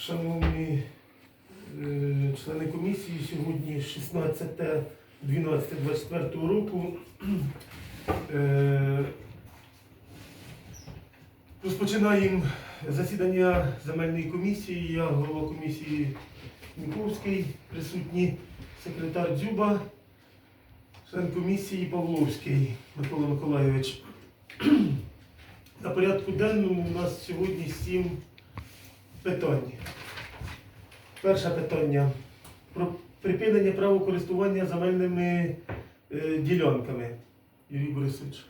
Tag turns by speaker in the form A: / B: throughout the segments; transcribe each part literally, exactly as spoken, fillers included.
A: Шановні е, члени комісії, сьогодні шістнадцяте дванадцяте двадцять четвертого року. Е, Розпочинаємо засідання земельної комісії. Я голова комісії Міковський, присутній секретар Дзюба, член комісії Павловський Микола Миколайович. На порядку денному у нас сьогодні сім питань. Перше питання про припинення права користування земельними е, ділянками. Юрій Борисович.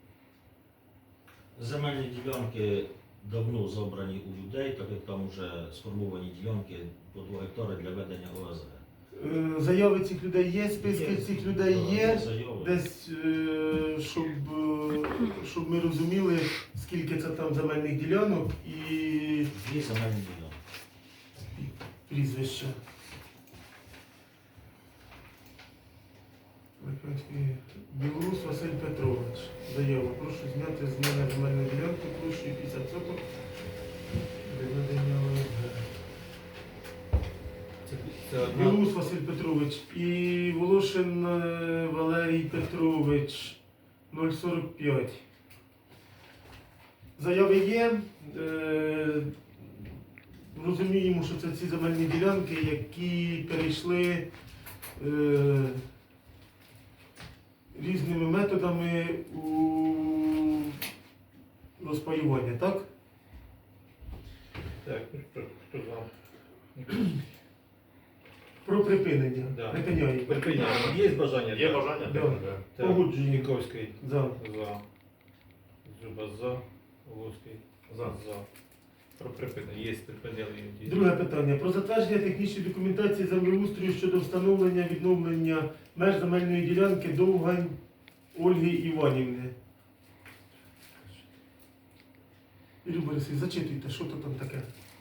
B: Земельні ділянки давно забрані у людей, так як там вже сформовані ділянки по два гектари для ведення О С Г.
A: Е, Заяви цих людей є, списки
B: Є.
A: цих людей
B: Да,
A: є.
B: заяви.
A: Десь, е, щоб, е, щоб ми розуміли, скільки це там земельних ділянок і
B: Дві земельні ділянки.
A: прізвище. Білорус Василь Петрович. Заява. Прошу зняти з мене земельну ділянку площею п'ятдесят соток для ведення О С Г.
C: Це, це одна.
A: Білорус Василь Петрович і Волошин е, Валерій Петрович нуль сорок п'ять. Заяви є. Е, Розуміємо, що це ці земельні ділянки, які перейшли е, різними методами у розпаювання, так?
C: Так, ну хто, хто за?
A: Про припинення.
C: Да.
A: Припиняємо.
C: Припиняємо. Є бажання?
D: Є
C: Так.
D: бажання?
A: Да.
D: Так.
C: Так.
A: Погоджуємо.
C: Ніковський.
A: За.
C: За. Зуба за. Волоський.
D: За.
C: За. Про припинення. Є припинення.
A: Друге питання. Про затвердження технічної документації землеустрою щодо встановлення відновлення меж земельної ділянки Довгань Ольги Іванівни. Юрій Борисович, зачитуйте, що то там таке.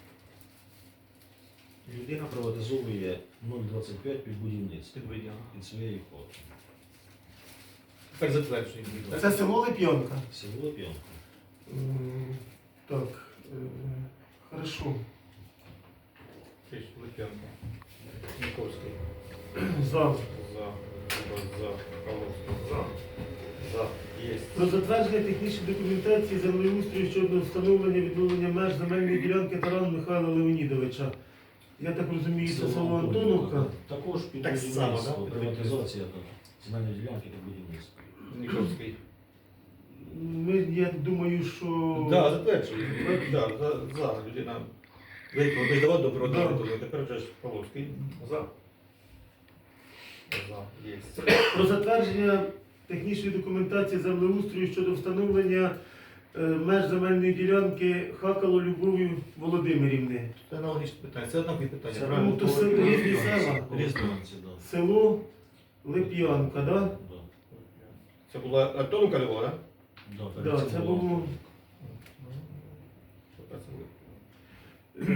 B: Людина приватизовує нуль двадцять п'ять під будівництво
C: Підведення.
B: під своєю хатою.
C: Тепер затверджуємо.
A: Це село Лип'янка.
B: Село П'янка.
A: М, Так, е, хорошо.
C: Ти ж Лип'янка. Ніковський.
A: За.
C: За. Зуба за. Волоський.
D: За.
C: За. Є.
A: Про затвердження технічної документації землеустрою щодо встановлення відновлення меж земельної ділянки Тарана Михайла Леонідовича. Я так розумію, це село Антоновка.
B: Також під
C: Так само,
B: будівництво,
C: да?
B: приватизація так, земельної ділянки під будівництво.
C: Ніковський.
A: Ми, я думаю, що...
C: Да, затверджуємо. Да, за, за. Людина виїхала, не давав добро
A: Да.
C: до тепер вже ж Павловський.
D: За.
C: За. Є.
A: Про затвердження технічної документації землеустрою щодо встановлення е, меж земельної ділянки Хакало Любові Володимирівни.
C: Це аналогічне питання. Це однакові питання.
B: Це
C: правильно?
A: Ну, то це різні села.
B: Різні, да.
A: Село Лип'янка, да?
B: Да.
C: Це була Антоновка Львова, так?
B: Да,
A: Да,
B: перед
A: це
B: цим
A: було... Е,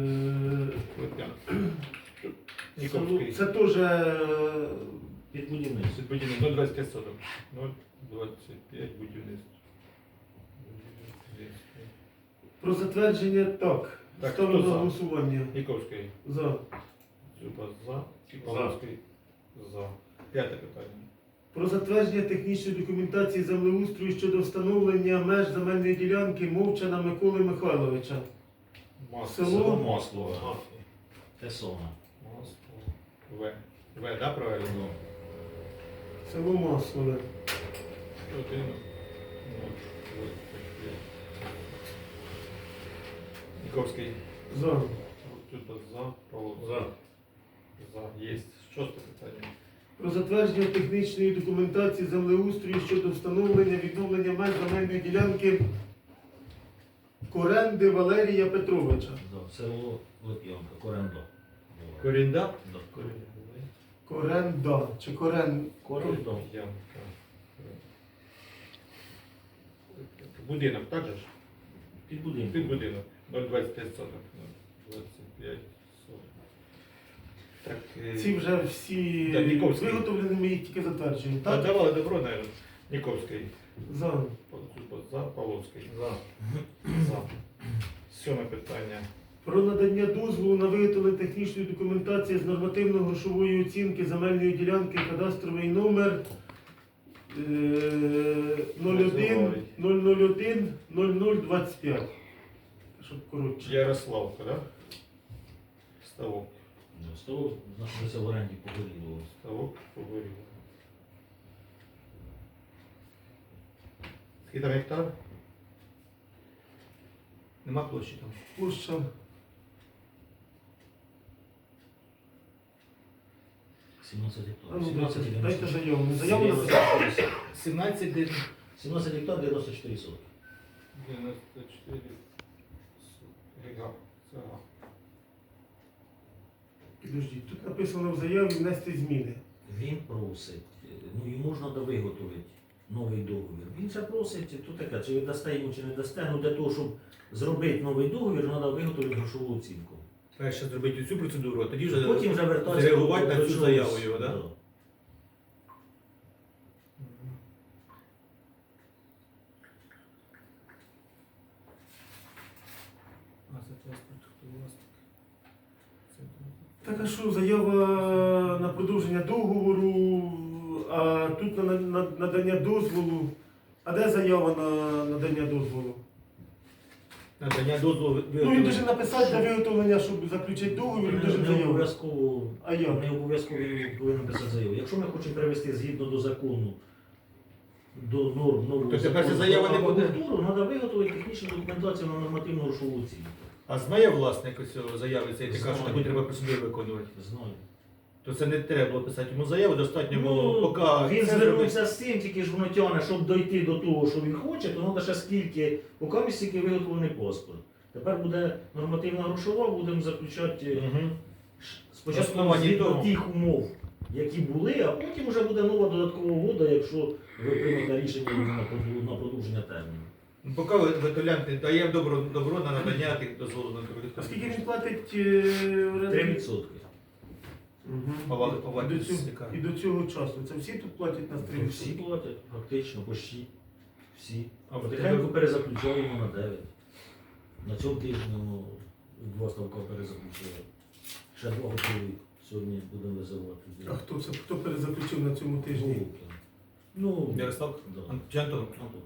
A: село-
C: Ніковський.
A: Це теж... е,
B: під будівництво.
C: Будівництво нуль двадцять п'ять соток. нуль двадцять п'ять будівництво.
A: Про затвердження, так.
C: Так,
A: Ставлю
C: хто
A: на
C: за?
A: голосування.
C: Ніковський.
A: За.
C: Зуба за. І Павловський. За. П'яте питання.
A: Про затвердження технічної документації землеустрою щодо встановлення меж земельної ділянки Мовчана Миколи Михайловича.
C: Масло.
A: Село?
B: Масло. Те саме.
C: Масло. В. В, да, правильно?
B: Ну,
A: Село Маслове.
C: Один. нуль двадцять п'ять. Ніковський.
A: За.
C: Тут за. Павловський.
D: За.
C: За. Є. Шосте питання.
A: Про затвердження технічної документації землеустрою щодо встановлення відновлення меж земельної ділянки Коренди Валерія Петровича.
B: да. Село Лип'янка, Коренда.
C: Корінда?
B: Да.
A: Коренда. Чи Корен...
B: Коренда.
C: Янка. Будинок, так же ж?
B: Під будинком.
C: Під будинок. нуль двадцять п'ять соток. нуль двадцять п'ять соток. Так, е,
A: Ці вже всі
C: Да, Ніковський.
A: виготовлені, ми їх тільки затверджуємо.
C: а
A: Так?
C: давали добро, наверное. Ніковський.
A: За.
C: За. Павловський.
D: За.
C: За. Сьоме питання.
A: Про надання дозволу на виготовлення технічної документації з нормативно-грошової оцінки земельної ділянки кадастровий номер е, нуль один нуль нуль один нуль нуль двадцять п'ять. Щоб коротше.
C: Ярославка, да? Ставок.
B: Ну, Ставок знаходиться в оренді Погорілого.
C: Ставок поговорив. Скільки там гектар? Нема площі там.
A: Площа
B: сімнадцять
A: А ну,
B: гектарів.
A: дайте,
B: сімнадцять
A: дайте
B: дев'яносто
A: заяву. Не заяву написати.
B: чотири.
C: сімнадцять де?
B: сімнадцять гектар дев'яносто чотири сотки.
C: дев'яносто чотири. Гектар. Це ага.
A: Підождіть, тут написано в заяві внести зміни.
B: Він просить, ну йому ж треба виготовити новий договір. Він це просить, то таке, чи ви дасте йому, чи не дасте, ну для того, щоб зробити новий договір, треба виготовити грошову оцінку.
D: Перше зробити цю процедуру, а тоді вже
B: Потім вже вертатися
D: зреагувати на цю
B: чогось.
D: заяву його, да?
C: А це паспорт, хто власник? Це
A: Так а що, заява на продовження договору, а тут на, на надання дозволу. А де заява на надання дозволу?
D: надання дозволу
A: Ну він дуже написати для виготовлення, щоб заключити договір, він
B: Не,
A: дуже
B: не
A: заяву.
B: обов'язково,
A: А як?
B: не обов'язково він повинен писати заяву. Якщо ми хочемо привести згідно до закону, до норм нового
D: То тепер
B: закону
D: ця заява
B: про
D: не буде?
B: аквакультуру, треба виготовити технічну документацію на нормативну грошову оцінку.
D: А знає власник цього заяви, цей така, що
B: Знає.
D: таку треба процедуру виконувати.
B: Знаю.
D: То це не треба було писати йому заяву, достатньо було,
B: Ну,
D: поки
B: він
D: це
B: звернувся з цим, тільки ж воно тягне, щоб дойти до того, що він хоче, то треба ще скільки, поки стільки виготовлений паспорт. Тепер буде нормативна грошова, будемо заключати
D: Угу.
B: спочатку
D: Основані
B: згідно
D: того.
B: тих умов, які були, а потім вже буде нова додаткова угода, якщо ви приймете рішення на проду- на продовження терміну.
D: Ну, поки виготовляємо, даємо добро, добро на надання тих дозволу на
A: А скільки
D: торгівлю.
A: він платить е, оренду?
B: три відсотки.
A: Мгм.
D: Повали-
A: І
D: повали-
A: до цього-
D: яка?
A: І до цього часу. Це всі тут платять на три
B: Всі платять, фактично, почти всі.
D: А в
B: Потихеньку
D: тебе
B: перезаключаємо на дев'ять. На цьому тижні ну, два ставка перезаключили. Ще два готові. Сьогодні будемо визивати.
A: А хто це? Хто перезаключив на цьому тижні?
B: Голубкін. Ну,
D: Ярослав?
B: да.
D: Ан- чи Антон?
B: Антон.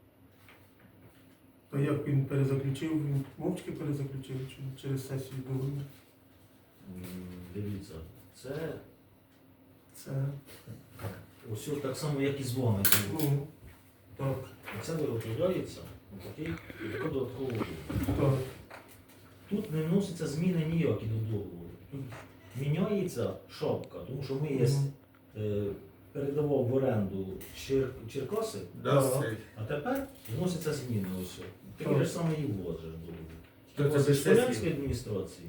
A: А як він перезаключив? Він мовчки перезаключив чи через сесію договору?
B: М, Дивіться, це
A: Це.
B: ось так само, як і з вами було.
A: Ну, так,
B: Це виготовляється на такий така додаткова угода.
A: так.
B: Тут не вносяться зміни ніякі до договору. Тут міняється шапка, тому що ми є,
A: Мгм.
B: е, передавав в оренду Чер, Черкаси,
D: Да,
A: Так.
D: це.
B: а тепер вносяться зміни ось. Такий
A: Так.
B: ж самий і у вас же ж договір.
D: То
B: Тільки
D: це
B: з
D: без сесії?
B: Полянської адміністрації.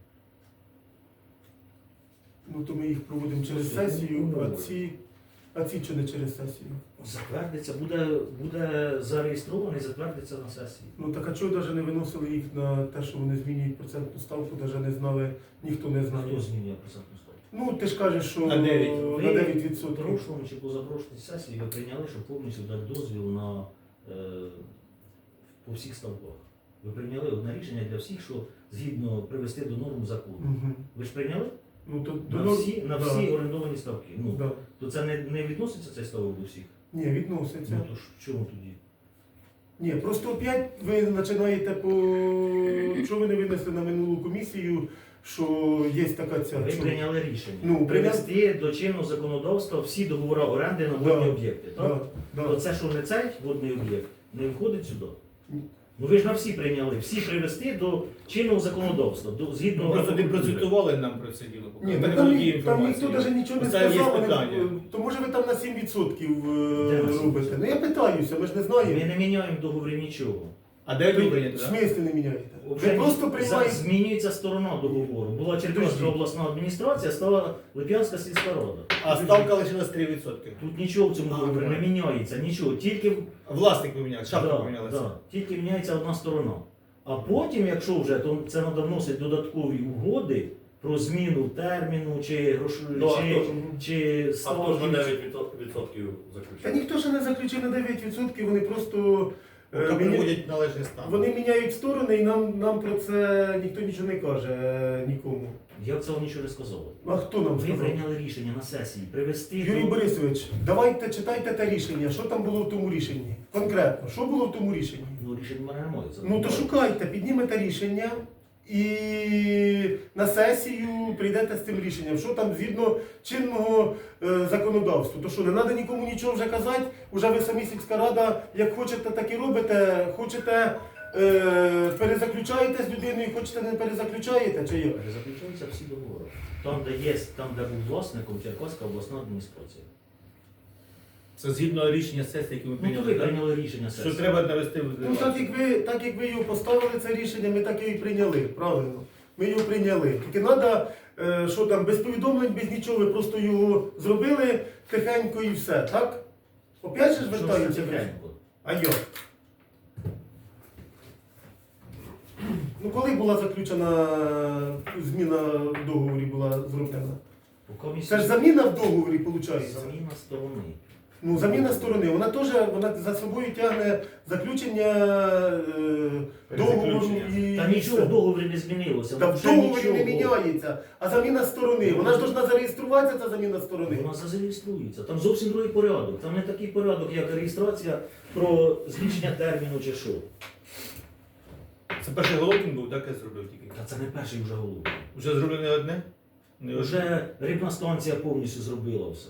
A: Ну то ми їх проводимо через сесію, а ці, а ці чи не через сесію?
B: Затвердиться, буде, буде зареєстрований, затвердиться на сесії.
A: Ну так а чого навіть не виносили їх на те, що вони змінюють процентну ставку, навіть не знали, ніхто не знає.
B: Хто змінює процентну ставку?
A: Ну ти ж кажеш, що
D: На дев'ять.
A: на
B: Ви
A: дев'ять
B: в
A: відсотків.
B: прошлому чи позапрошлій сесії ви прийняли, щоб повністю дати дозвіл на е, по всіх ставках. Ви прийняли одне рішення для всіх, що згідно привести до норм закону.
A: Угу.
B: Ви ж прийняли?
A: Ну то
B: На
A: до-
B: всі, на
A: да,
B: всі орендовані ставки. Ну,
A: да.
B: то це не, не відноситься цей ставок до всіх.
A: Ні, відноситься.
B: Ну то ж в чому тоді?
A: Ні, просто опять ви починаєте по. Що ви не винесли на минулу комісію, що є така ця.
B: Ви
A: що-
B: прийняли рішення
A: Ну,
B: привести до чинного законодавства всі договори оренди на водні
A: Да,
B: об'єкти. Так?
A: Да,
B: То
A: да.
B: це що не цей водний об'єкт, не входить сюди.
A: Ні.
B: Ну ви ж на всі прийняли, всі привести до чинного законодавства, до згідно
D: Ну, просто не
B: аквакультури.
D: процитували нам про це діло. поки.
A: Ні,
D: Ми
A: так
D: не
A: там,
D: володіємо
A: ні- там ніхто
D: інформацією.
A: навіть нічого не
D: Це є
A: сказав, вони-
D: питання.
A: то може ви там на сім відсотків
B: Де на
A: е,
B: сім
A: робите.
B: відсотків?
A: Ну я питаюся, ми ж не
B: Ми
A: знаємо.
B: не міняємо в договорі нічого.
D: А де ви
A: В
D: прийняти, так?
A: смислі не міняєте?
B: Вже
A: Ви просто
B: за-
A: приймаєте.
B: змінюється сторона договору. Була Черкаська
A: Підожди.
B: обласна адміністрація, стала Лип'янська сільська рада.
D: А ставка лишилась три відсотки.
B: Тут нічого в цьому
D: А,
B: договорі не
D: правильно.
B: міняється, нічого. Тільки,
D: Власник помінявся, шапка
B: да,
D: помінялася.
B: да, тільки міняється одна сторона. А потім, якщо вже, то це треба вносити додаткові угоди про зміну терміну чи грошові,
E: Ну, а
B: чи,
E: хто ж-
B: чи
E: А хто ж на
B: ставки.
E: дев'ять відсотків
A: Та
E: заключив?
A: ніхто ще не заключив на дев'ять відсотків, вони просто Е,
D: Поки
A: міня-
D: приводять належний стан.
A: Вони міняють сторони і нам, нам про це ніхто нічого не каже е, нікому.
B: Я цього нічого не сказав.
A: А хто нам
B: Ви
A: сказав?
B: прийняли рішення на сесії привести
A: Юрій
B: до...
A: Борисович, давайте читайте те рішення. Що там було в тому рішенні? Конкретно, що було в тому рішенні?
B: Ну, рішення в мене немає. Це
A: Ну то шукайте, піднімете рішення і на сесію прийдете з цим рішенням. Що там згідно чинного е, законодавства? То що, не треба нікому нічого вже казати? Уже ви самі сільська рада, як хочете, так і робите. Хочете, е, перезаключаєте з людиною, хочете не перезаключаєте, чи як?
B: Заключаються всі договори. Там, де є, там, де був власником, Черкаська обласна адміністрація.
D: Це згідно рішення сесії, яке ми
B: Ну, то ви
D: прийняли. так?
B: прийняли рішення
D: Що
B: сесії.
D: треба навести в
A: Ну так як ви, так як ви його поставили, це рішення, ми так і прийняли, правильно. Ми його прийняли. Тільки треба, що там, без повідомлень, без нічого, ви просто його зробили тихенько і все, так? Опять же ж
B: Що
A: вертаємося.
B: все тихенько?
A: А як? Ну коли була заключена зміна в договорі була зроблена?
B: У комісії
A: Це ж заміна в договорі, виходить?
B: заміна сторони.
A: Ну, заміна сторони, вона теж вона за собою тягне заключення е, договору і.
B: Та нічого в договорі не змінилося.
A: Та в
B: Вже
A: договорі
B: нічого.
A: не міняється, а заміна сторони. Вона ж повинна зареєструватися, ця заміна сторони.
B: Вона зареєструється. Там зовсім другий порядок. Там не такий порядок, як реєстрація про збільшення терміну чи що.
D: Це перший головкін був, так я зробив тільки.
B: Та це не перший вже голуб.
D: Вже зроблено не одне? Не одне?
B: Вже рибна станція повністю зробила все.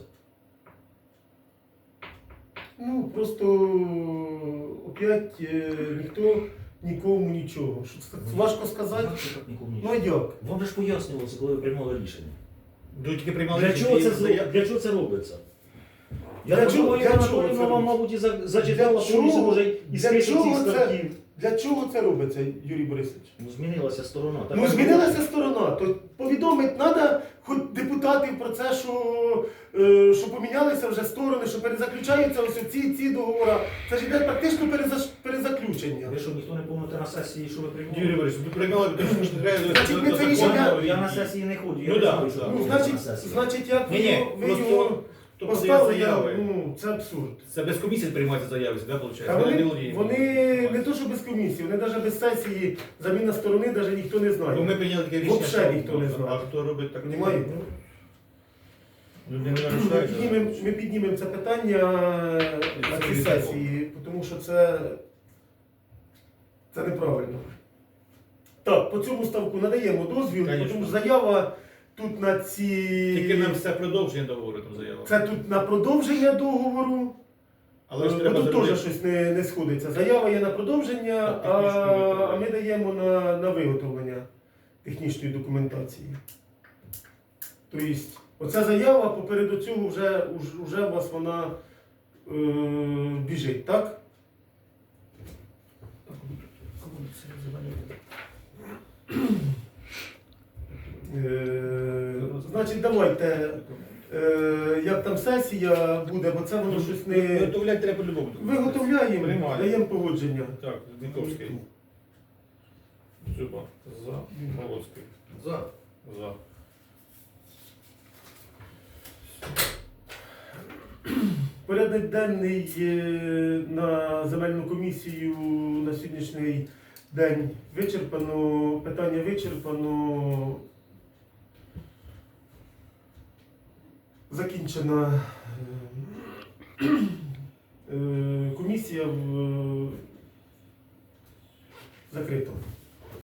A: Ну, просто опять е, ніхто нікому нічого. Що це важко сказати.
B: Як це так нікому
A: Ну а
B: нічого?
A: як?
B: Вам же ж пояснювалося, коли ви приймали рішення.
D: Ну, тільки приймали
B: Для
D: рішення,
B: чого
D: і
B: це,
D: заяв-
B: зро- для чого це робиться? Я
A: Для
B: так
A: чого-
B: думаю,
A: для
B: Ірина
A: чого це
B: Анатоліївна вам,
A: робиться?
B: мабуть, і за- зачитала
A: Для
B: повністю,
A: чого?
B: може, і
A: Для
B: список
A: чого
B: цих
A: це?
B: статтів.
A: Для чого це робиться, Юрій Борисович?
B: Ну, змінилася сторона.
A: Ну,
B: Тепер-
A: змінилася сторона, то повідомити треба хоч депутатів про це, що, е, що помінялися вже сторони, що перезаключаються ось ці, ці договори. Це ж йде практично переза- перезаключення.
B: Ви що, ніхто не помните на сесії, що ви приймали?
D: Юрій Борисович, ви приймали, тому що не треба...
A: Значить, ми
D: до
A: це
D: закону
A: рішення-
D: і-
B: Я на сесії не ходжу, я
D: Ну
B: не
D: да,
B: знаю, що
D: да.
B: там
A: Ну,
B: робиться
A: значить,
B: на сесії.
A: значить, як ви
D: Ні-ні,
A: його, ви
D: просто
A: його
D: то
A: поставили,
D: подає заяви.
A: ну, це абсурд.
D: Це без комісії приймаються заяви, да, виходить?
A: А вони,
D: володіємо.
A: вони не то, що без комісії, вони навіть без сесії, заміна сторони, навіть ніхто не
D: Ну,
A: знає.
D: ми прийняли таке рішення,
A: Вообще
D: що-
A: ніхто не знає.
D: А хто робить так?
A: Понімаєте?
D: Ну, не
A: Ми
D: нарушають.
A: піднімемо, ми піднімемо це питання на цій
D: Це
A: сесії, тому що це, це неправильно. Так, по цьому ставку надаємо дозвіл,
D: Конечно.
A: тому що заява тут на ці.
D: Тільки нам все продовження договору там заява.
A: Це тут на продовження договору.
D: Але ж
A: Бо
D: треба
A: тут
D: зробити.
A: теж щось не, не сходиться. Заява є на продовження,
D: Так,
A: а,
D: технічне виготовлення.
A: а ми даємо на, на виготовлення технічної документації. Тобто, оця заява попереду цього вже, уж- уже у вас вона е, біжить, так? Е, значить, давайте, е, як там сесія буде, бо це воно щось не.
D: Виготовляти треба по-любому.
A: Виготовляємо,
D: Приймаємо.
A: даємо погодження.
D: Так, Зніковський. Зуба. За. Молоцький.
C: За.
D: За.
A: Порядок денний е, на земельну комісію на сьогоднішній день вичерпано, питання вичерпано. Закінчена е, е, комісія в закрито.